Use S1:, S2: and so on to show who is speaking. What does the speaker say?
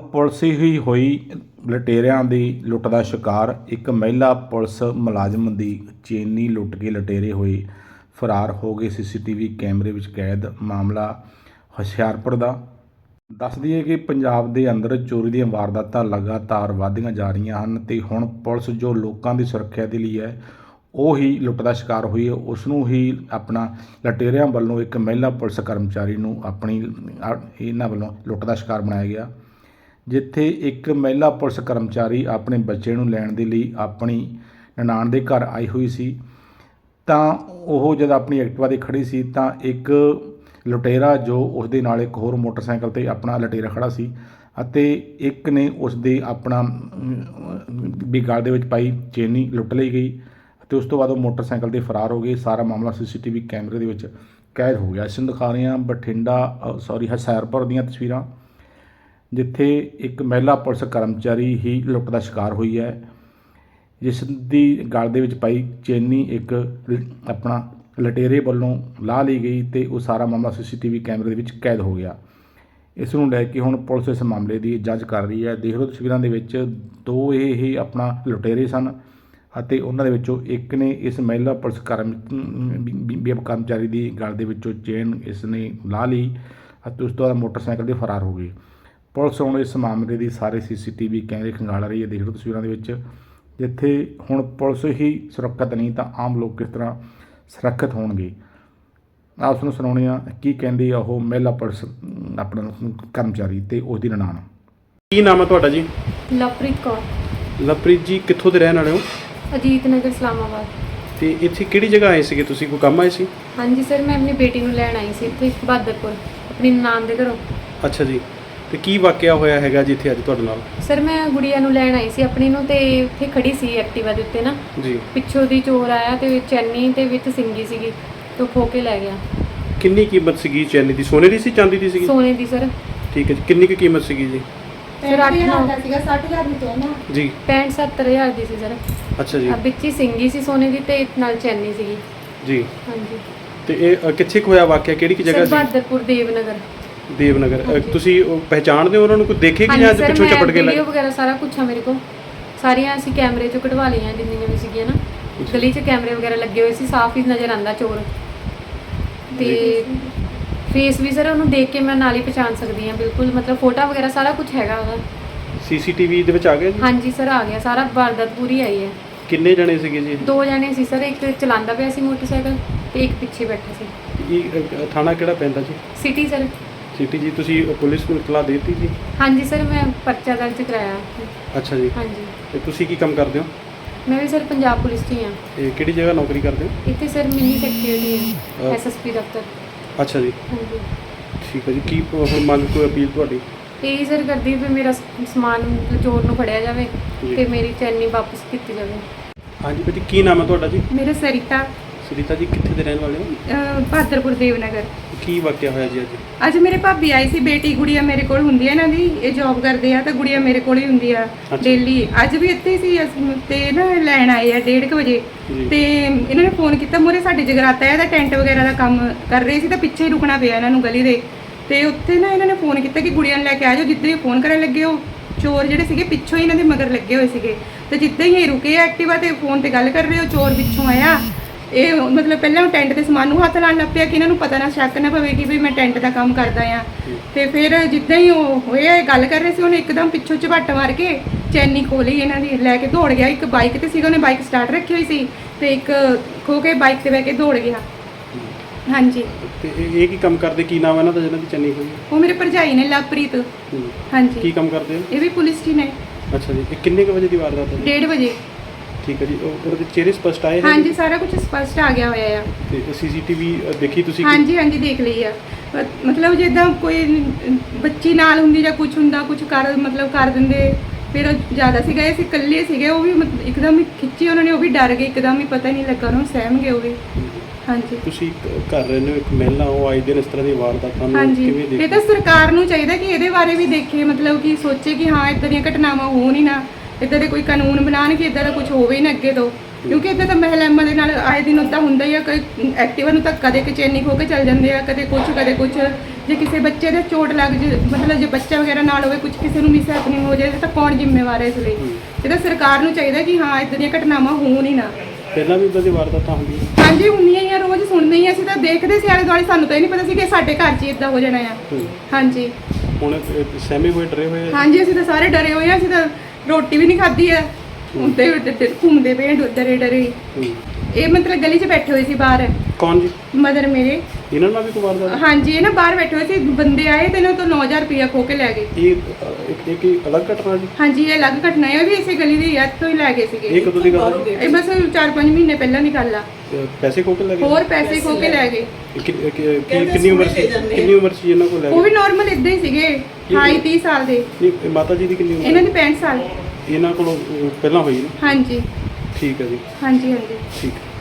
S1: Police ਹੀ ਹੋਈ ਲੁਟੇਰਿਆਂ ਦੀ ਲੁੱਟ ਦਾ ਸ਼ਿਕਾਰ। ਇੱਕ ਮਹਿਲਾ ਪੁਲਿਸ ਮੁਲਾਜ਼ਮ ਦੀ ਚੇਨੀ ਲੁੱਟ ਕੇ ਲੁਟੇਰੇ ਹੋਏ ਫਰਾਰ ਹੋ ਗਏ, ਸੀਸੀਟੀਵੀ ਕੈਮਰੇ ਵਿੱਚ ਕੈਦ। ਮਾਮਲਾ ਹੁਸ਼ਿਆਰਪੁਰ ਦਾ। ਦੱਸ ਦਈਏ ਕਿ ਪੰਜਾਬ ਦੇ ਅੰਦਰ ਚੋਰੀ ਦੀਆਂ ਵਾਰਦਾਤਾਂ ਲਗਾਤਾਰ ਵਧਦੀਆਂ ਜਾ ਰਹੀਆਂ ਹਨ ਅਤੇ ਹੁਣ ਪੁਲਿਸ ਜੋ ਲੋਕਾਂ ਦੀ ਸੁਰੱਖਿਆ ਦੇ ਲਈ ਹੈ ਉਹ ਹੀ ਲੁੱਟ ਦਾ ਸ਼ਿਕਾਰ ਹੋਈ ਹੈ। ਉਸ ਨੂੰ ਹੀ ਆਪਣਾ ਲੁਟੇਰਿਆਂ ਵੱਲੋਂ ਇੱਕ ਮਹਿਲਾ ਪੁਲਿਸ ਕਰਮਚਾਰੀ ਨੂੰ ਇਹਨਾਂ ਵੱਲੋਂ ਲੁੱਟ ਦਾ ਸ਼ਿਕਾਰ ਬਣਾਇਆ ਗਿਆ, ਜਿੱਥੇ ਇੱਕ ਮਹਿਲਾ ਪੁਲਿਸ ਕਰਮਚਾਰੀ ਆਪਣੇ ਬੱਚੇ ਨੂੰ ਲੈਣ ਦੇ ਲਈ ਆਪਣੀ ਨਨਾਣ ਦੇ ਘਰ ਆਈ ਹੋਈ ਸੀ। ਤਾਂ ਉਹ ਜਦ ਆਪਣੀ ਐਕਟਿਵਾ 'ਤੇ ਖੜ੍ਹੀ ਸੀ ਤਾਂ ਇੱਕ ਲੁਟੇਰਾ ਜੋ ਉਸ ਦੇ ਨਾਲ ਇੱਕ ਹੋਰ ਮੋਟਰਸਾਈਕਲ 'ਤੇ ਆਪਣਾ ਲੁਟੇਰਾ ਖੜ੍ਹਾ ਸੀ ਅਤੇ ਇੱਕ ਨੇ ਉਸ ਦੇ ਆਪਣਾ ਵੀ ਗਲ ਦੇ ਵਿੱਚ ਪਾਈ ਚੇਨੀ ਲੁੱਟ ਲਈ ਗਈ ਅਤੇ ਉਸ ਤੋਂ ਬਾਅਦ ਉਹ ਮੋਟਰਸਾਈਕਲ 'ਤੇ ਫਰਾਰ ਹੋ ਗਏ। ਸਾਰਾ ਮਾਮਲਾ ਸੀਸੀਟੀਵੀ ਕੈਮਰੇ ਦੇ ਵਿੱਚ ਕੈਦ ਹੋ ਗਿਆ। ਇਸ ਨੂੰ ਦਿਖਾ ਰਹੇ ਹਾਂ ਹੁਸ਼ਿਆਰਪੁਰ ਦੀਆਂ ਤਸਵੀਰਾਂ, ਜਿੱਥੇ ਇੱਕ ਮਹਿਲਾ ਪੁਲਿਸ ਕਰਮਚਾਰੀ ਹੀ ਲੁੱਟ ਦਾ ਸ਼ਿਕਾਰ ਹੋਈ ਹੈ, ਜਿਸ ਦੀ ਗਲ ਦੇ ਵਿੱਚ ਪਾਈ ਚੇਨੀ ਇੱਕ ਆਪਣਾ ਲੁਟੇਰੇ ਵੱਲੋਂ ਲਾਹ ਲਈ ਗਈ ਅਤੇ ਉਹ ਸਾਰਾ ਮਾਮਲਾ ਸੀਸੀਟੀਵੀ ਕੈਮਰੇ ਦੇ ਵਿੱਚ ਕੈਦ ਹੋ ਗਿਆ। ਇਸ ਨੂੰ ਲੈ ਕੇ ਹੁਣ ਪੁਲਿਸ ਇਸ ਮਾਮਲੇ ਦੀ ਜਾਂਚ ਕਰ ਰਹੀ ਹੈ। ਦੇਖ ਲਓ ਤਸਵੀਰਾਂ ਦੇ ਵਿੱਚ ਦੋ ਇਹ ਆਪਣਾ ਲੁਟੇਰੇ ਸਨ ਅਤੇ ਉਹਨਾਂ ਦੇ ਵਿੱਚੋਂ ਇੱਕ ਨੇ ਇਸ ਮਹਿਲਾ ਪੁਲਿਸ ਕਰਮਚਾਰੀ ਦੀ ਗਲ ਦੇ ਵਿੱਚੋਂ ਚੇਨ ਇਸ ਨੇ ਲਾਹ ਲਈ ਅਤੇ ਉਸ ਤੋਂ ਬਾਅਦ ਮੋਟਰਸਾਈਕਲ 'ਤੇ ਫਰਾਰ ਹੋ ਗਏ। ਪੁਲਿਸ ਹੁਣ ਇਸ ਮਾਮਲੇ ਦੀ ਸਾਰੇ ਸੀਸੀਟੀਵੀ ਕੈਮਰੇ ਖੰਗਾਲ ਰਹੀ ਹੈ। ਦੇਖ ਲਓ ਤਸਵੀਰਾਂ ਦੇ ਵਿੱਚ, ਜਿੱਥੇ ਹੁਣ ਪੁਲਿਸ ਹੀ ਸੁਰੱਖਿਅਤ ਨਹੀਂ ਤਾਂ ਆਮ ਲੋਕ ਕਿਸ ਤਰ੍ਹਾਂ ਸੁਰੱਖਿਅਤ ਹੋਣਗੇ। ਆਪ ਨੂੰ ਸੁਣਾਉਂਦੇ ਹਾਂ ਕੀ ਕਹਿੰਦੀ ਆ ਉਹ ਮਹਿਲਾ ਪੁਲਿਸ ਆਪਣਾ ਕਰਮਚਾਰੀ ਅਤੇ ਉਸ ਦੀ ਨਨਾਣ।
S2: ਕੀ ਨਾਮ ਹੈ ਤੁਹਾਡਾ ਜੀ?
S3: ਲਵਪ੍ਰੀਤ ਕੌਰ।
S2: ਲਵਪ੍ਰੀਤ ਜੀ ਕਿੱਥੋਂ ਦੇ ਰਹਿਣ ਵਾਲੇ ਹੋ?
S3: ਅਜੀਤ ਨਗਰ ਇਸਲਾਮਾਬਾਦ।
S2: ਤੇ ਇੱਥੇ ਕਿਹੜੀ ਜਗ੍ਹਾ ਆਏ ਸੀਗੇ ਤੁਸੀਂ? ਕੋਈ ਕੰਮ ਆਏ ਸੀ?
S3: ਹਾਂਜੀ ਸਰ, ਮੈਂ ਆਪਣੀ ਬੇਟੀ ਨੂੰ ਲੈਣ ਆਈ ਸੀ ਇੱਥੇ ਬਹਾਦਰਪੁਰ ਆਪਣੀ ਨਨਾਣ ਦੇ ਘਰੋਂ।
S2: ਅੱਛਾ ਜੀ, ਤੇ ਕੀ ਵਾਕਿਆ ਹੋਇਆ ਹੈਗਾ ਜੀ ਇੱਥੇ ਅੱਜ ਤੁਹਾਡੇ ਨਾਲ?
S3: ਸਰ ਮੈਂ ਗੁੜੀਆ ਨੂੰ ਲੈਣ ਆਈ ਸੀ ਆਪਣੀ ਨੂੰ, ਤੇ ਉੱਥੇ ਖੜੀ ਸੀ ਐਕਟਿਵਾ ਦੇ ਉੱਤੇ ਨਾ
S2: ਜੀ।
S3: ਪਿੱਛੋਂ ਦੀ ਚੋਰ ਆਇਆ ਤੇ ਚੈਨੀ ਤੇ ਵਿੱਚ ਸਿੰਗੀ ਸੀਗੀ ਤੇ ਖੋ ਕੇ ਲੈ ਗਿਆ।
S2: ਕਿੰਨੀ ਕੀਮਤ ਸੀਗੀ ਚੈਨੀ ਦੀ? ਸੋਨੇ ਦੀ ਸੀ ਚਾਂਦੀ ਦੀ ਸੀਗੀ?
S3: ਸੋਨੇ ਦੀ ਸਰ।
S2: ਠੀਕ ਹੈ ਜੀ, ਕਿੰਨੀ ਕੁ ਕੀਮਤ ਸੀਗੀ ਜੀ?
S3: ਸਰ 8-9
S4: ਸੀਗਾ 60,000 ਦੀ ਚੈਨ
S2: ਜੀ।
S3: 65-70,000 ਦੀ ਸੀ ਸਰ।
S2: ਅੱਛਾ ਜੀ।
S3: ਵਿੱਚ ਹੀ ਸਿੰਗੀ ਸੀ ਸੋਨੇ ਦੀ ਤੇ ਨਾਲ ਚੈਨੀ ਸੀਗੀ
S2: ਜੀ।
S3: ਹਾਂਜੀ।
S2: ਤੇ ਇਹ ਕਿੱਥੇ ਕੁ ਹੋਇਆ ਵਾਕਿਆ? ਕਿਹੜੀ ਜਗ੍ਹਾ ਸੀ?
S3: ਬਹਾਦਰਪੁਰ ਦੇਵਨਗਰ।
S2: ਦੇਵਨਗਰ।
S3: ਹਾਂਜੀ।
S2: ਤੁਸੀਂ ਪਹਿਚਾਣਦੇ ਹੋ ਉਹਨਾਂ ਨੂੰ? ਕੋਈ ਦੇਖੇ ਕਿ ਜਾਂ ਪਿੱਛੋਂ ਚਪਟ ਕੇ
S3: ਵੀਡੀਓ ਵਗੈਰਾ ਸਾਰਾ ਕੁਝ ਆ ਮੇਰੇ ਕੋਲ, ਸਾਰੀਆਂ ਅਸੀਂ ਕੈਮਰੇ 'ਚੋਂ ਕਢਵਾ ਲਈਆਂ ਜਿੰਨੀਆਂ ਵੀ ਸੀਗੀਆਂ ਨਾ। ਗਲੀ 'ਚ ਕੈਮਰੇ ਵਗੈਰਾ ਲੱਗੇ ਹੋਏ ਸੀ, ਸਾਫ਼ ਹੀ ਨਜ਼ਰ ਆਉਂਦਾ ਚੋਰ। ਤੇ ਫੇਸ ਵੀ ਸਰ ਉਹਨੂੰ ਦੇਖ ਕੇ ਮੈਂ ਨਾਲ ਹੀ ਪਛਾਣ ਸਕਦੀ ਹਾਂ ਬਿਲਕੁਲ, ਮਤਲਬ ਫੋਟੋ ਵਗੈਰਾ ਸਾਰਾ ਕੁਝ ਹੈਗਾ ਉਹਦਾ।
S2: ਸੀਸੀਟੀਵੀ ਦੇ ਵਿੱਚ ਆ ਗਿਆ ਜੀ?
S3: ਹਾਂਜੀ ਸਰ ਆ ਗਿਆ ਸਾਰਾ, ਵਾਰਦਾਤ ਪੂਰੀ ਆਈ ਹੈ।
S2: ਕਿੰਨੇ ਜਣੇ ਸੀਗੇ ਜੀ?
S3: 2 ਜਣੇ ਸੀ ਸਰ, ਇੱਕ ਚਲਾਉਂਦਾ ਪਿਆ ਸੀ ਮੋਟਰਸਾਈਕਲ ਤੇ ਇੱਕ ਪਿੱਛੇ ਬੈਠਾ ਸੀ।
S2: ਇਹ ਥਾਣਾ ਕਿਹੜਾ ਪੈਂਦਾ ਜੀ?
S3: City sir.
S2: ਸਿਟੀ ਜੀ। ਤੁਸੀਂ ਪੁਲਿਸ ਨੂੰ ਇਤਲਾਹ ਦੇ ਦਿੱਤੀ ਜੀ?
S3: ਹਾਂਜੀ ਸਰ, ਮੈਂ ਪਰਚਾ ਦਰਜ ਕਰਾਇਆ।
S2: ਅੱਛਾ ਜੀ।
S3: ਹਾਂਜੀ।
S2: ਤੇ ਤੁਸੀਂ ਕੀ ਕੰਮ ਕਰਦੇ ਹੋ?
S3: ਮੈਂ ਵੀ ਸਰ ਪੰਜਾਬ ਪੁਲਿਸ 'ਚ ਹੀ ਹਾਂ।
S2: ਇਹ ਕਿਹੜੀ ਜਗ੍ਹਾ ਨੌਕਰੀ ਕਰਦੇ ਹੋ?
S3: ਇੱਥੇ ਸਰ ਮਿੰਨੀ ਸੈਕਟਰੀ ਹੈ, ਐਸਐਸਪੀ ਦਫ਼ਤਰ।
S2: ਅੱਛਾ ਜੀ।
S3: ਹਾਂਜੀ।
S2: ਠੀਕ ਹੈ ਜੀ। ਕੀ ਹੁਣ ਮੰਗ ਕੋਈ ਅਪੀਲ ਤੁਹਾਡੀ?
S3: ਇਹੀ ਸਰ ਕਰਦੀ ਵੀ ਮੇਰਾ ਸਮਾਨ ਚੋਰ ਨੂੰ ਫੜਿਆ ਜਾਵੇ
S2: ਜੀ।
S3: ਤੇ ਮੇਰੀ ਚੈਨੀ ਵਾਪਸ ਕੀਤੀ ਜਾਵੇ।
S2: ਹਾਂਜੀ ਬੇਟੀ, ਕੀ ਨਾਮ ਹੈ ਤੁਹਾਡਾ ਜੀ?
S4: ਮੇਰਾ ਸਰਿਤਾ।
S2: ਸੁਨੀਤਾ ਜੀ, ਕਿੱਥੇ ਦੇ ਰਹਿਣ ਵਾਲੇ ਹੋ?
S4: ਬਹਾਦਰਪੁਰ ਦੇਵਨਗਰ।
S2: ਕੀ ਵਾਕਿਆ ਹੋਇਆ ਜੀ ਅੱਜ?
S4: ਅੱਜ ਮੇਰੇ ਭਾਬੀ ਆਈ ਸੀ, ਬੇਟੀ ਗੁੜੀਆ ਮੇਰੇ ਕੋਲ ਹੁੰਦੀ ਹੈ ਇਹਨਾਂ ਦੀ, ਇਹ ਜੌਬ ਕਰਦੇ ਆ ਤਾਂ ਗੁੜੀਆ ਮੇਰੇ ਕੋਲ ਹੀ ਹੁੰਦੀ ਆ ਡੇਲੀ। ਅੱਜ ਵੀ ਇੱਥੇ ਸੀ ਤੇ ਨਾ ਲੈਣ ਆਏ ਆ 1:30 ਵਜੇ ਤੇ ਇਹਨਾਂ ਨੇ ਫੋਨ ਕੀਤਾ, ਮੂਹਰੇ ਸਾਡੇ ਜਗਰਾਤਾ ਹੈ ਤਾਂ ਟੈਂਟ ਵਗੈਰਾ ਦਾ ਕੰਮ ਕਰ ਰਹੇ ਸੀ ਤਾਂ ਪਿੱਛੇ ਹੀ ਰੁਕਣਾ ਪਿਆ ਇਹਨਾਂ ਨੂੰ ਗਲੀ ਦੇ। ਤੇ ਉੱਥੇ ਨਾ ਇਹਨਾਂ ਨੇ ਫੋਨ ਕੀਤਾ ਕਿ ਗੁੜੀਆ ਨੂੰ ਲੈ ਕੇ ਆ ਜਾਓ। ਜਿੱਦਾਂ ਹੀ ਫੋਨ ਕਰਨ ਲੱਗੇ ਉਹ ਚੋਰ ਜਿਹੜੇ ਸੀਗੇ ਪਿੱਛੋਂ ਹੀ ਇਹਨਾਂ ਦੇ ਮਗਰ ਲੱਗੇ ਹੋਏ ਸੀਗੇ ਤੇ ਜਿੱਦਾਂ ਹੀ ਇਹ ਰੁਕੇ ਐਕਟਿਵਾ ਤੇ ਫੋਨ ਤੇ ਗੱਲ ਕਰ ਰਹੇ, ਉਹ ਚੋਰ ਪਿੱਛੋਂ ਆਇਆ। ਇਹ ਮਤਲਬ ਪਹਿਲਾਂ ਉਹ ਟੈਂਟ ਦੇ ਸਮਾਨ ਨੂੰ ਹੱਥ ਲਾਉਣ ਲੱਗ ਪਿਆ ਕਿ ਇਹਨਾਂ ਨੂੰ ਪਤਾ ਨਾ ਸ਼ੱਕ ਨਾ ਪਵੇ ਕਿ ਵੀ ਮੈਂ ਟੈਂਟ ਦਾ ਕੰਮ ਕਰਦਾ ਆ। ਤੇ ਫਿਰ ਜਿੱਦਾਂ ਹੀ ਉਹ ਹੋਇਆ ਗੱਲ ਕਰ ਰਹੇ ਸੀ, ਉਹਨੇ ਇੱਕਦਮ ਪਿੱਛੋਂ ਝਪੱਟ ਮਾਰ ਕੇ ਚੈਨੀ ਖੋਲੀ ਇਹਨਾਂ ਦੀ, ਲੈ ਕੇ ਦੌੜ ਗਿਆ। ਇੱਕ ਬਾਈਕ ਤੇ ਸੀਗਾ, ਉਹਨੇ ਬਾਈਕ ਸਟਾਰਟ ਰੱਖੀ ਹੋਈ ਸੀ ਤੇ ਇੱਕ ਖੋ ਕੇ ਬਾਈਕ ਤੇ ਬਹਿ ਕੇ ਦੌੜ ਗਿਆ। ਹਾਂਜੀ।
S2: ਤੇ ਇਹ ਕੀ ਕੰਮ ਕਰਦੇ? ਕੀ ਨਾਮ ਹੈ ਇਹਨਾਂ ਦਾ ਜਿਹਨਾਂ ਦੀ ਚੰਨੀ ਹੋਈ?
S4: ਉਹ ਮੇਰੇ ਭਰਜਾਈ ਨੇ, ਲਵਪ੍ਰੀਤ। ਹਾਂਜੀ।
S2: ਕੀ ਕੰਮ ਕਰਦੇ ਹੋ?
S4: ਇਹ ਵੀ ਪੁਲਿਸ 'ਚ ਨੇ।
S2: ਅੱਛਾ ਜੀ। ਇਹ ਕਿੰਨੇ ਕੁ ਵਜੇ ਦੀ ਵਾਰਦਾਤ ਹੈ?
S4: 1:30 ਵਜੇ।
S2: ਠੀਕ ਹੈ ਜੀ। ਉਹਦੇ ਚਿਹਰੇ ਸਪਸ਼ਟ ਆਏ?
S4: ਹਾਂਜੀ, ਸਾਰਾ ਕੁਝ ਸਪਸ਼ਟ ਆ ਗਿਆ ਹੋਇਆ ਆ।
S2: ਤੇ ਸੀਸੀਟੀਵੀ ਦੇਖੀ ਤੁਸੀਂ?
S4: ਹਾਂਜੀ ਹਾਂਜੀ, ਦੇਖ ਲਈ ਆ। ਮਤਲਬ ਜਿੱਦਾਂ ਕੋਈ ਬੱਚੀ ਨਾਲ ਹੁੰਦੀ ਜਾਂ ਕੁਝ ਹੁੰਦਾ, ਕੁਝ ਕਰ ਦਿੰਦੇ। ਫਿਰ ਉਹ ਜ਼ਿਆਦਾ ਸੀਗਾ, ਇਹ ਸੀ ਇਕੱਲੇ ਸੀਗੇ, ਉਹ ਵੀ ਇੱਕਦਮ ਹੀ ਖਿੱਚੀ ਉਹਨਾਂ ਨੇ, ਉਹ ਵੀ ਡਰ ਗਏ ਇੱਕਦਮ ਹੀ, ਪਤਾ ਨਹੀਂ ਲੱਗਾ ਉਹਨਾਂ ਨੂੰ, ਸਹਿਮ ਗਏ ਉਹ ਵੀ। ਹਾਂਜੀ।
S2: ਤੁਸੀਂ ਕਰ ਰਹੇ ਹੋ ਇੱਕ ਮਹਿਲਾ, ਉਹ ਆਏ ਦਿਨ ਇਸ ਤਰ੍ਹਾਂ ਦੀ ਵਾਰਦਾਤਾਂ ਨੂੰ
S4: ਹਾਂਜੀ।
S2: ਕਿਵੇਂ ਦੇਖਦੇ?
S4: ਇਹ ਤਾਂ ਸਰਕਾਰ ਨੂੰ ਚਾਹੀਦਾ ਕਿ ਇਹਦੇ ਬਾਰੇ ਵੀ ਦੇਖੇ, ਮਤਲਬ ਕਿ ਸੋਚੇ ਕਿ ਹਾਂ ਇੱਦਾਂ ਦੀਆਂ ਘਟਨਾਵਾਂ ਹੋਣ ਹੀ ਨਾ, ਇੱਦਾਂ ਦੇ ਕੋਈ ਕਾਨੂੰਨ ਬਣਾਉਣ ਕਿ ਇੱਦਾਂ ਦਾ ਕੁਝ ਹੋਵੇ ਹੀ ਨਾ ਅੱਗੇ ਤੋਂ। ਕਿਉਂਕਿ ਇੱਦਾਂ ਤਾਂ ਮਹਿਲਾਵਾਂ ਦੇ ਨਾਲ ਆਏ ਦਿਨ ਉੱਦਾਂ ਹੁੰਦਾ ਹੀ ਆ। ਕੋਈ ਐਕਟਿਵਾ ਨੂੰ ਤਾਂ ਕਦੇ ਚੈਨੀ ਖੋ ਕੇ ਚੱਲ ਜਾਂਦੇ ਆ, ਕਦੇ ਕੁਝ ਜੇ ਕਿਸੇ ਬੱਚੇ ਦੇ ਚੋਟ ਲੱਗ ਜੇ, ਮਤਲਬ ਜੇ ਬੱਚਾ ਵਗੈਰਾ ਨਾਲ ਹੋਵੇ, ਕੁਝ ਕਿਸੇ ਨੂੰ ਮਿਸ ਹੈਪਨਿੰਗ ਹੋ ਜਾਏ ਤਾਂ ਕੌਣ ਜ਼ਿੰਮੇਵਾਰ ਹੈ ਇਸ ਲਈ? ਇਹ ਤਾਂ ਸਰਕਾਰ ਨੂੰ ਚਾਹੀਦਾ ਕਿ ਹਾਂ ਇਦਾਂ ਦੀਆਂ ਘਟਨਾਵਾਂ ਹੋਣ ਹੀ ਨਾ।
S2: ਪਹਿਲਾਂ ਵੀ ਇਦਾਂ ਦੀ ਵਾਰਦਾਤਾਂ ਹੁੰਦੀਆਂ?
S4: ਹਾਂਜੀ ਹੁੰਦੀਆਂ ਹੀ ਆ, ਰੋਜ਼ ਸੁਣਦੇ ਹੀ ਆ। ਅਸੀਂ ਤਾਂ ਦੇਖਦੇ ਸੀ ਆਲੇ ਦੁਆਲੇ, ਸਾਨੂੰ ਤਾਂ ਇਹ ਨਹੀਂ ਪਤਾ ਸੀ ਕਿ ਸਾਡੇ ਘਰ 'ਚ ਇਦਾਂ ਹੋ ਜਾਣਾ ਆ। ਹਾਂਜੀ
S2: ਹੁਣ ਸਹਿਮੇ ਹੋਏ, ਡਰੇ ਹੋਏ ਆ?
S4: ਹਾਂਜੀ ਅਸੀਂ ਤਾਂ ਸਾਰੇ ਡਰੇ ਹੋਏ ਆ। ਅਸੀਂ ਤਾਂ ਰੋਟੀ ਵੀ ਨਹੀਂ ਖਾਧੀ ਆ, ਉੱਤੇ ਘੁੰਮਦੇ ਪਏ ਡਰੇ ਡਰੇ। ਇਹ ਮਤਲਬ ਗਲੀ 'ਚ ਬੈਠੇ ਹੋਏ ਸੀ ਬਾਹਰ।
S2: ਕੌਣ ਜੀ?
S4: ਮਦਰ ਮੇਰੇ।
S2: ਇਹਨਾਂ ਨਾਲ ਵੀ ਕੋਈ ਵਾਰਦਾਤ?
S4: ਹਾਂਜੀ ਇਹ ਨਾ ਬਾਹਰ ਬੈਠੇ ਹੋਏ ਸੀ, ਬੰਦੇ ਆਏ ਤੇ ਇਹਨਾਂ ਤੋਂ 9000 ਰੁਪਇਆ ਖੋ ਕੇ ਲੈ ਗਏ।
S2: ਇਹ ਇੱਕ ਅਲੱਗ ਘਟਨਾ ਜੀ?
S4: ਹਾਂਜੀ ਇਹ ਅਲੱਗ ਘਟਨਾ ਹੈ, ਇਹ ਵੀ ਇਸੇ ਗਲੀ ਦੀ ਯਾਦ ਤੋਂ ਹੀ ਲੈ ਗਏ ਸੀਗੇ।
S2: ਇਹ ਕਦੋਂ ਦੀ ਗੱਲ ਹੈ?
S4: ਇਹ ਬਸ 4-5 ਮਹੀਨੇ ਪਹਿਲਾਂ ਦੀ ਗੱਲ ਆ।
S2: ਪੈਸੇ ਖੋ ਕੇ ਲੈ ਗਏ?
S4: ਹੋਰ ਪੈਸੇ ਖੋ ਕੇ ਲੈ ਗਏ।
S2: ਕਿੰਨੀ ਉਮਰ ਸੀ ਇਹਨਾਂ ਕੋਲ ਲੈ
S4: ਉਹ
S2: ਗਏ?
S4: ਵੀ ਨਾਰਮਲ ਇਦਾਂ ਹੀ ਸੀਗੇ, 28-30 ਸਾਲ ਦੇ।
S2: ਨਹੀਂ, ਮਾਤਾ ਜੀ ਦੀ ਕਿੰਨੀ ਉਮਰ?
S4: ਇਹਨਾਂ ਦੀ 65 ਸਾਲ।
S2: ਇਹਨਾਂ ਕੋਲੋਂ ਪਹਿਲਾਂ ਹੋਈ ਨਾ?
S4: ਹਾਂਜੀ
S2: ਠੀਕ ਹੈ ਜੀ,
S4: ਹਾਂਜੀ ਹਾਂਜੀ।
S2: ਠੀਕ ਹੈ।